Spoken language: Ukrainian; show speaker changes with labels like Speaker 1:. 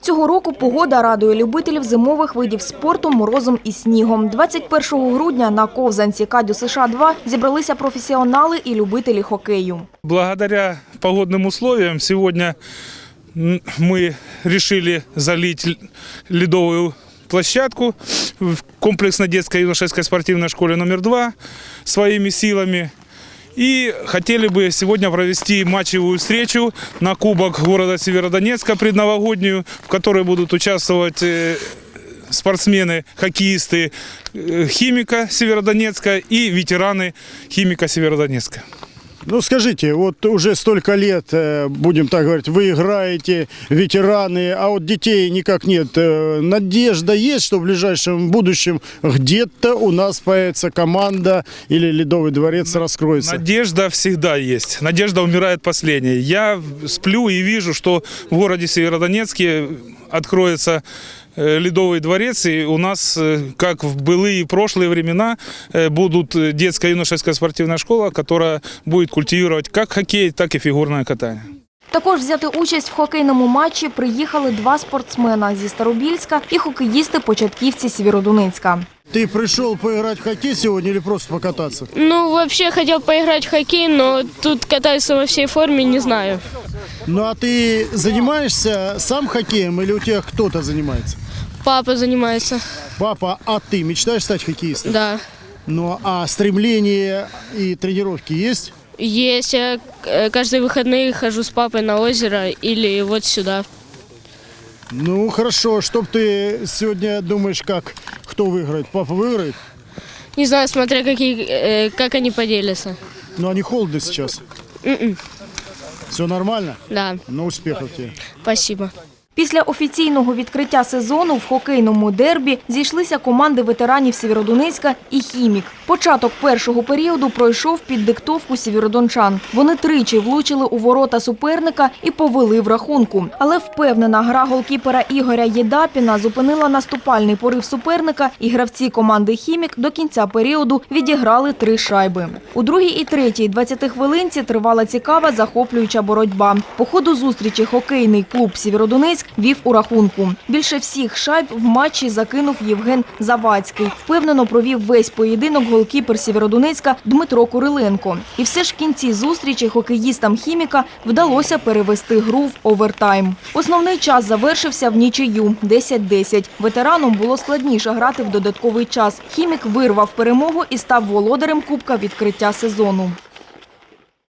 Speaker 1: Цього року погода радує любителів зимових видів спорту морозом і снігом. 21 грудня на ковзанці Кадю США-2 зібралися професіонали і любителі хокею.
Speaker 2: Благодаря погодным условиям сегодня мы решили залить ледовую площадку в комплексно-детской юношеской спортивной школе номер 2 своими силами. И хотели бы сегодня провести матчевую встречу на Кубок города Северодонецка предновогоднюю, в которой будут участвовать спортсмены, хоккеисты Химика Северодонецка и ветераны Химика Северодонецка.
Speaker 3: Ну скажите, вот уже столько лет, будем так говорить, вы играете, ветераны, а вот детей никак нет. Надежда есть, что в ближайшем будущем где-то у нас появится команда или Ледовый дворец раскроется?
Speaker 2: Надежда всегда есть. Надежда умирает последней. Я сплю и вижу, что в городе Северодонецке откроется Ледовый дворец, и у нас, как в былые прошлые времена, будут детская юношеская спортивная школа, которая будет культивировать как хоккей, так и фигурное катание.
Speaker 1: Також взяти участь в хокейному матчі приїхали 2 спортсмена зі Старобільська і хокеїсти-початківці Сєвєродонецька.
Speaker 3: Ты пришел поиграть в хоккей сегодня или просто покататься?
Speaker 4: Ну, вообще хотел поиграть в хоккей, но тут катаюсь во всей форме, не знаю.
Speaker 3: Ну а ты занимаешься сам хоккеем или у тебя кто-то занимается?
Speaker 4: Папа занимается.
Speaker 3: Папа, а ты мечтаешь стать хоккеистом?
Speaker 4: Да.
Speaker 3: Ну а стремление и тренировки есть?
Speaker 4: Есть. Я каждые выходные хожу с папой на озеро или вот сюда.
Speaker 3: Ну хорошо, что ты сегодня думаешь, кто выиграет? Папа выиграет?
Speaker 4: Не знаю, смотря как они поделятся.
Speaker 3: Ну они холодны сейчас. Все нормально?
Speaker 4: Да.
Speaker 3: Ну успехов тебе.
Speaker 4: Спасибо.
Speaker 1: Після офіційного відкриття сезону в хокейному дербі зійшлися команди ветеранів Сєвєродонецька і «Хімік». Початок першого періоду пройшов під диктовку сєвєродончан. Вони тричі влучили у ворота суперника і повели в рахунку. Але впевнена гра голкіпера Ігоря Єдапіна зупинила наступальний порив суперника, і гравці команди «Хімік» до кінця періоду відіграли 3 шайби. У другій і третій 20-хвилинці тривала цікава захоплююча боротьба. По ходу зустрічі хокейний клуб «Сєвєродонецьк» вів у рахунку. Більше всіх шайб в матчі закинув Євген Завадський. Впевнено провів весь поєдинок голкіпер Сєвєродонецька Дмитро Куриленко. І все ж в кінці зустрічі хокеїстам «Хіміка» вдалося перевести гру в овертайм. Основний час завершився в нічию – 10-10. Ветеранам було складніше грати в додатковий час. «Хімік» вирвав перемогу і став володарем Кубка відкриття сезону.